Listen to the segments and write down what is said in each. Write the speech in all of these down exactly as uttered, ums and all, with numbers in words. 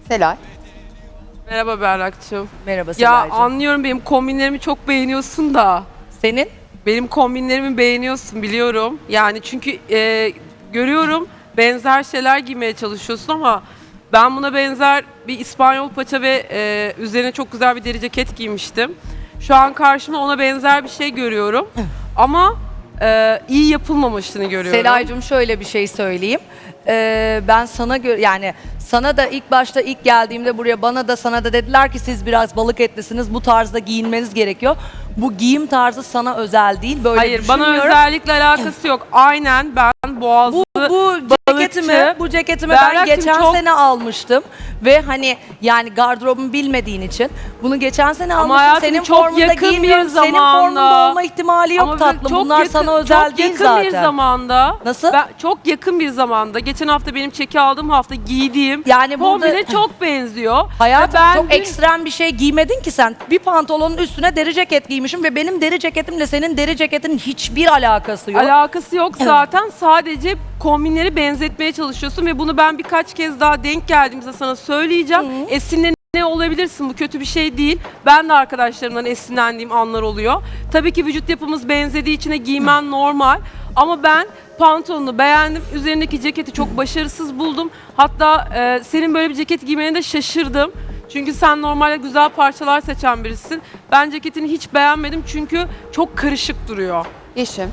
Selay. Merhaba Berrak'cığım. Merhaba Ya Selay'cığım. anlıyorum benim kombinlerimi çok beğeniyorsun da. Senin? Benim kombinlerimi beğeniyorsun biliyorum. Yani çünkü e, görüyorum benzer şeyler giymeye çalışıyorsun ama ben buna benzer bir İspanyol paça ve e, üzerine çok güzel bir deri ceket giymiştim. Şu an karşıma ona benzer bir şey görüyorum. Ama e, iyi yapılmamışını görüyorum. Selay'cığım şöyle bir şey söyleyeyim. Ee, ben sana göre yani sana da ilk başta ilk geldiğimde buraya bana da sana da dediler ki siz biraz balık etlisiniz, bu tarzda giyinmeniz gerekiyor. Bu giyim tarzı sana özel değil, böyle Hayır, bana düşünmüyorum. özellikle alakası yok. Aynen ben boğazlı, Bu, bu ceketimi, balıkçı, bu ceketimi ben Berrak'cığım geçen çok- sene almıştım ve hani yani gardırobumu bilmediğin için bunu geçen sene Ama almıştım. hayatım Senin çok formunda yakın bir giymiyorum. Senin zamanda. formunda olma ihtimali yok Ama tatlım. çok Bunlar yakın- sana özel çok değil yakın zaten. bir zamanda. Nasıl? Ben, çok yakın bir zamanda. Geçen hafta benim çeki aldığım hafta giydiğim Yani burada- kombine çok benziyor. Hayatım Ve ben çok dün- ekstrem bir şey giymedin ki sen. Bir pantolonun üstüne deri ceket giymişim ve benim deri ceketimle senin deri ceketinin hiçbir alakası yok. Alakası yok zaten. Sadece kombinleri benzetmeye çalışıyorsun ve bunu ben birkaç kez daha denk geldiğimizde sana söyleyeceğim. Esinle ne olabilirsin? Bu kötü bir şey değil. Ben de arkadaşlarımdan esinlendiğim anlar oluyor. Tabii ki vücut yapımız benzediği için de giymen normal. Ama ben pantolonunu beğendim. Üzerindeki ceketi çok başarısız buldum. Hatta e, senin böyle bir ceket giymene de şaşırdım. Çünkü sen normalde güzel parçalar seçen birisin. Ben ceketini hiç beğenmedim çünkü çok karışık duruyor. Yeşim.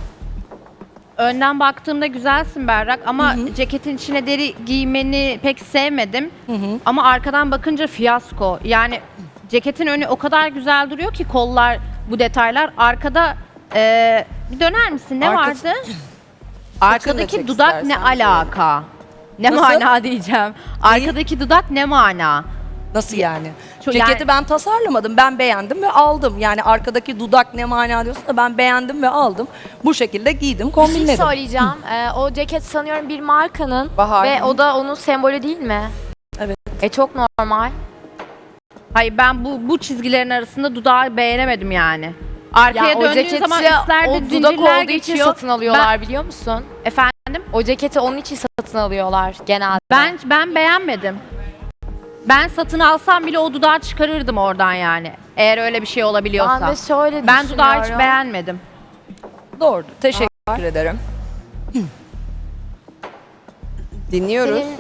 Önden baktığımda güzelsin Berrak ama ceketin içine deri giymeni pek sevmedim. Ama arkadan bakınca fiyasko. Yani ceketin önü o kadar güzel duruyor ki kollar, bu detaylar. Arkada eee, bir döner misin? Ne Arkası- vardı? çek Arkadaki dudak ne istersen. alaka? Ne Nasıl? mana diyeceğim. Arkadaki dudak ne mana? Nasıl yani? Şu- Ceketi yani- ben tasarlamadım. Ben beğendim ve aldım. Yani arkadaki dudak ne mana diyorsun da ben beğendim ve aldım. Bu şekilde giydim, Bir şey kombinledim. söyleyeceğim. Ee, o ceket sanıyorum bir markanın Bahar. ve o da onun sembolü değil mi? Evet. E çok normal. Hayır, ben bu bu çizgilerin arasında dudağı beğenemedim yani. Arkaya Ya o döndüğün ceketi zaman o üstlerde dudak zincirler olduğu için geçiyor. satın alıyorlar biliyor musun? Efendim? O ceketi onun için satın alıyorlar genelde. Ben ben beğenmedim. Ben satın alsam bile o dudağı çıkarırdım oradan yani. Eğer öyle bir şey olabiliyorsa. Ben de şöyle Ben dudağı hiç düşünüyorum. beğenmedim. Doğru. Teşekkür ederim. Dinliyoruz. Senin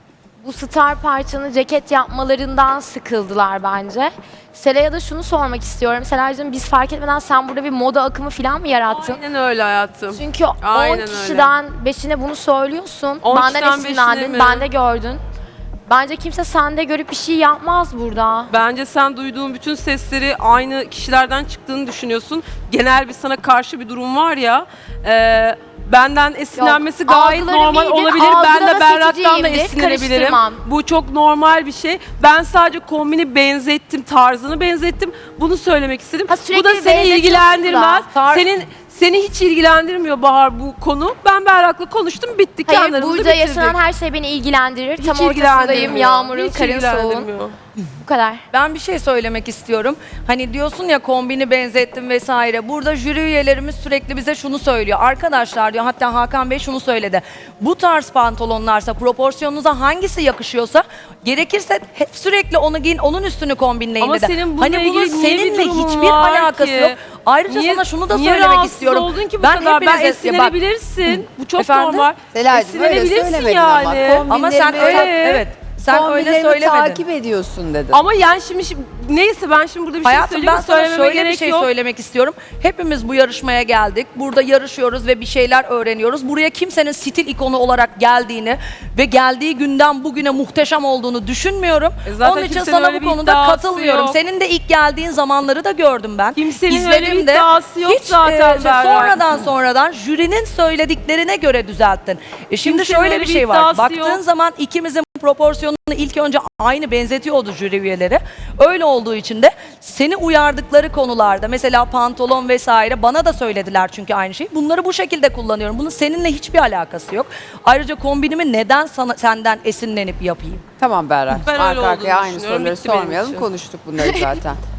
bu star parçanı ceket yapmalarından sıkıldılar bence. Selay'a da şunu sormak istiyorum. Selay'cığım biz fark etmeden sen burada bir moda akımı falan mı yarattın? Aynen öyle hayatım. Çünkü Aynen on öyle. kişiden beşine bunu söylüyorsun. on Benden kişiden beşine esinlendin, mi? ben de gördün. Bence kimse sende görüp bir şey yapmaz burada. Bence sen duyduğun bütün sesleri aynı kişilerden çıktığını düşünüyorsun. Genel bir sana karşı bir durum var ya. E, benden esinlenmesi Yok, gayet algılarım normal iyidir, olabilir. Ben algılama de Berrak'tan da seçiciyimdir, esinlenebilirim. karıştırmam. Bu çok normal bir şey. Ben sadece kombini benzettim, tarzını benzettim. Bunu söylemek istedim. Ha, Bu sürekli da seni benzetiyorsun ilgilendirmez. da. Tar- Senin seni hiç ilgilendirmiyor Bahar bu konu. Ben Berrak'la konuştum, bitti. Hayır, Kenarımızı burada bitirdik. yaşanan her şey beni ilgilendirir. Hiç Tam ortasındayım, ilgilendirmiyor. yağmurun, Hiç karın soğuğun. ilgilendirmiyor. Bu kadar. Ben bir şey söylemek istiyorum. Hani diyorsun ya kombini benzettim vesaire. Burada jüri üyelerimiz sürekli bize şunu söylüyor. Arkadaşlar diyor, hatta Hakan Bey şunu söyledi. Bu tarz pantolonlarsa proporsiyonunuza hangisi yakışıyorsa gerekirse hep sürekli onu giyin, onun üstünü kombinleyin Ama dedi. senin bununla hani bunun ilgili niye bir seninle durumun hiçbir var alakası ki? yok. Ayrıca Niye- sana şunu da niye söylemek rahatsız istiyorum. oldun ki bu ben kadar? Ben hepinize- ya bak, esinlenebilirsin. Bu çok Efendim? normal. Selay'cığım öyle Esinlenebilirsin söylemedin yani. ama. ama sen Kombinlerimi- öyle evet. Sen öyle Kombinlerimi söylemedin. takip ediyorsun dedin. Ama yani şimdi, şimdi neyse ben şimdi burada bir şey Hayatım söyleyeyim. ben sana söylememe şöyle bir gerek şey yok. söylemek istiyorum. Hepimiz bu yarışmaya geldik. Burada yarışıyoruz ve bir şeyler öğreniyoruz. Buraya kimsenin stil ikonu olarak geldiğini ve geldiği günden bugüne muhteşem olduğunu düşünmüyorum. E zaten Onun için kimsenin sana öyle bu bir konuda iddiası katılmıyorum. yok. Senin de ilk geldiğin zamanları da gördüm ben. Kimsenin öyle bir İzledim de. iddiası yok Hiç, zaten e, şey, Berrak. sonradan sonradan jürinin söylediklerine göre düzelttin. E şimdi Kimsenin şöyle öyle bir bir şey var. iddiası Baktığın yok. zaman ikimizin proporsiyonunu ilk önce aynı benzetiyordu jüri üyeleri. Öyle olduğu için de seni uyardıkları konularda mesela pantolon vesaire bana da söylediler çünkü aynı şeyi. Bunları bu şekilde kullanıyorum. Bunun seninle hiçbir alakası yok. Ayrıca kombinimi neden sana, senden esinlenip yapayım? Tamam Berrak. Ben öyle Arka arkaya olduğunu aynı düşünüyorum. soruları Bitti benim sormayalım. için. Konuştuk bunları zaten.